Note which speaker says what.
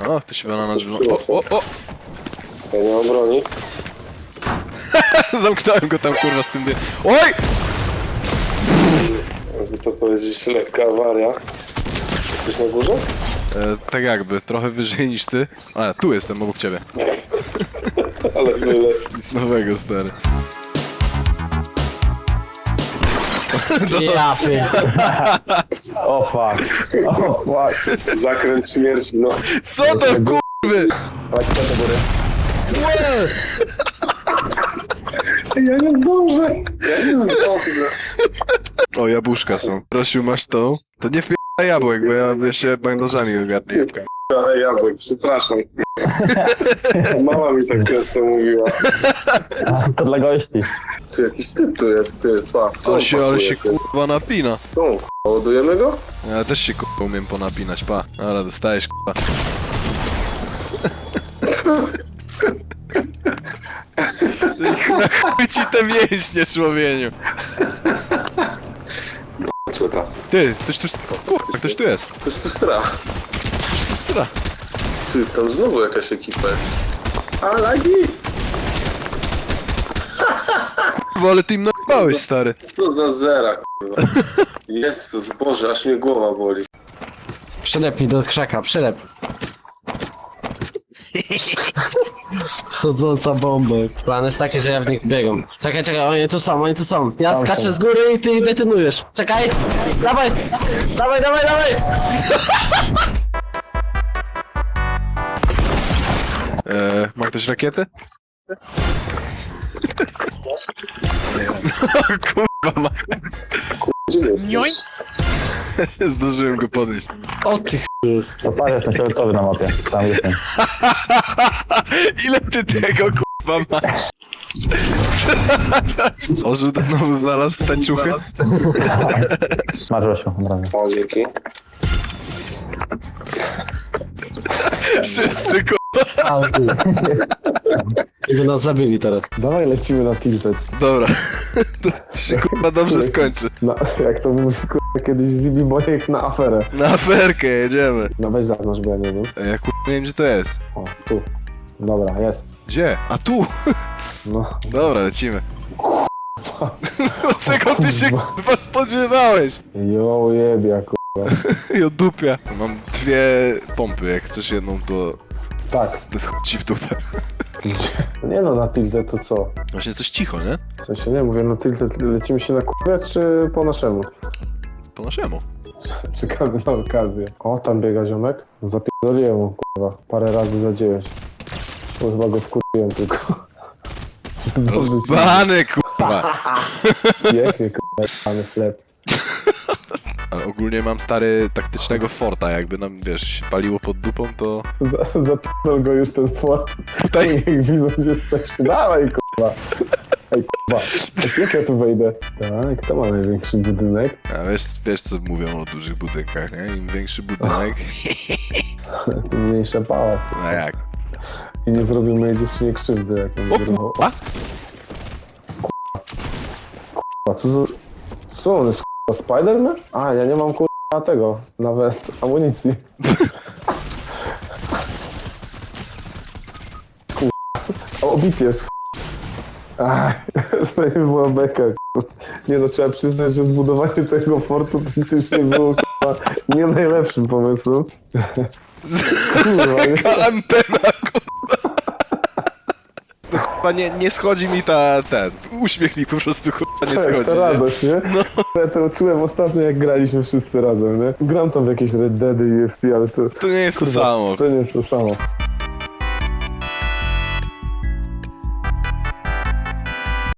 Speaker 1: O, ktoś chyba na nas wygląda. O!
Speaker 2: Ja nie mam broni.
Speaker 1: Zamknąłem go tam, kurwa, z tym dym. Oj!
Speaker 2: Jakby to powiedzieć, lekka awaria. Jesteś na górze?
Speaker 1: Tak jakby, trochę wyżej niż ty. A, tu jestem, obok ciebie.
Speaker 2: Ale byle.
Speaker 1: Nic nowego, stary.
Speaker 3: Ja pierdolę.
Speaker 4: O fuck. O fuck.
Speaker 2: Zakręt śmierci, no.
Speaker 1: Co to, kurwy?
Speaker 4: Chodźcie do góry.
Speaker 2: Ja nie zdążę. Ja nie zdążę.
Speaker 1: O, jabłuszka są. Prosił, masz tą? To nie wpieraj jabłek, bo ja się bandażami ogarnię jabłka.
Speaker 2: Ale jabłek, przepraszam. Mama mi tak często mówiła.
Speaker 4: A, to dla gości.
Speaker 2: Tu jakiś typ tu jest, ty, pa.
Speaker 1: Ale się kurwa napina.
Speaker 2: Tu, ładujemy go?
Speaker 1: Ja też się kurwa umiem ponapinać, pa. Ale dostajesz kurwa. Na chuj ci te mięśnie, człowieniu.
Speaker 2: Co tam?
Speaker 1: Ty, ktoś tu... Kurwa, ktoś tu jest.
Speaker 2: To jest strach.
Speaker 1: Stra.
Speaker 2: Ty, tam znowu jakaś ekipa jest. A, lagi!
Speaker 1: Kurwa, ale ty im napałeś, stary.
Speaker 2: Co za zera, kurwa. Jezus, Boże, aż mnie głowa boli.
Speaker 3: Przylep mi do krzaka, przylep. Chodząca bomba. Plan jest taki, że ja w nich biegam. Czekaj, oni tu są. Ja skaczę z góry i ty betonujesz. Czekaj! Dawaj!
Speaker 1: Ma ktoś rakietę? Kurwa, ma.
Speaker 2: Gdzie jest?
Speaker 1: Zdążyłem go podnieść.
Speaker 3: O ty ch...
Speaker 4: To parę jest na fioletowy na mapie. Tam jestem.
Speaker 1: Ile ty tego kurwa masz? O, żółty znowu znalazł tańczuchę?
Speaker 4: Masz Rosiu, od razu.
Speaker 2: O, dzięki.
Speaker 1: Wszyscy kurwa.
Speaker 3: I by nas zabili teraz.
Speaker 5: Dawaj lecimy na tilted.
Speaker 1: Dobra. To się kurwa dobrze skończy.
Speaker 5: Jak to mówi kurwa kiedyś Zibi Bojek na aferę.
Speaker 1: Na aferkę jedziemy.
Speaker 5: No weź zaznacz, bo ja nie wiem.
Speaker 1: Ja kurwa nie wiem gdzie to jest.
Speaker 5: O, tu. Dobra, jest.
Speaker 1: Gdzie? A tu!
Speaker 5: No.
Speaker 1: Dobra, lecimy. Czego ty się kurwa spodziewałeś?
Speaker 5: Jo jebia kurwa.
Speaker 1: I od dupia. Mam dwie pompy, jak chcesz jedną to...
Speaker 5: Tak.
Speaker 1: To chuj ci w dupę.
Speaker 5: Nie no, na tilted to co?
Speaker 1: Właśnie coś cicho, nie?
Speaker 5: W sensie nie mówię, na tilted lecimy się na kurwę, czy po naszemu?
Speaker 1: Po naszemu.
Speaker 5: Czekamy na okazję. O, tam biega ziomek. Zapierdoliłem mu kurwa. Parę razy za 9. Bo chyba go wkurwiłem tylko.
Speaker 1: Rozbany kurwa.
Speaker 5: Piękny kurwa, mamy chleb.
Speaker 1: Ale ogólnie mam stary taktycznego forta, jakby nam, wiesz, się paliło pod dupą, to...
Speaker 5: Zapierdol go już ten fort.
Speaker 1: Tutaj...
Speaker 5: Jak widzą, że jesteśmy. Dawaj kurwa. Ej kurwa. Jak ja tu wejdę? Tak, kto ma największy budynek?
Speaker 1: A wiesz co mówią o dużych budynkach, nie? Im większy budynek...
Speaker 5: Tym mniejsza pała.
Speaker 1: No jak?
Speaker 5: I nie zrobił mojej dziewczynie krzywdy, jak on
Speaker 1: O
Speaker 5: wyruchał.
Speaker 1: kurwa!
Speaker 5: Kurwa, co on jest kurwa, Spider-Man? A, ja nie mam kurwa tego, nawet amunicji. Kurwa, obity jest. Ach, to nie była beka, kurwa. Nie no, trzeba przyznać, że zbudowanie tego fortu faktycznie było kurwa nie najlepszym pomysłem. Kurwa, nie?
Speaker 1: Jaka antena, kurwa! No kurwa, nie schodzi mi ten uśmiech mi po prostu kurwa nie
Speaker 5: Tak,
Speaker 1: schodzi,
Speaker 5: ta
Speaker 1: nie?
Speaker 5: radość, nie? No. Ja to czułem ostatnio, jak graliśmy wszyscy razem, nie? Gram tam w jakieś Red Deady i UFC, ale to...
Speaker 1: To nie jest to
Speaker 5: kurwa,
Speaker 1: samo.
Speaker 5: To nie jest to samo.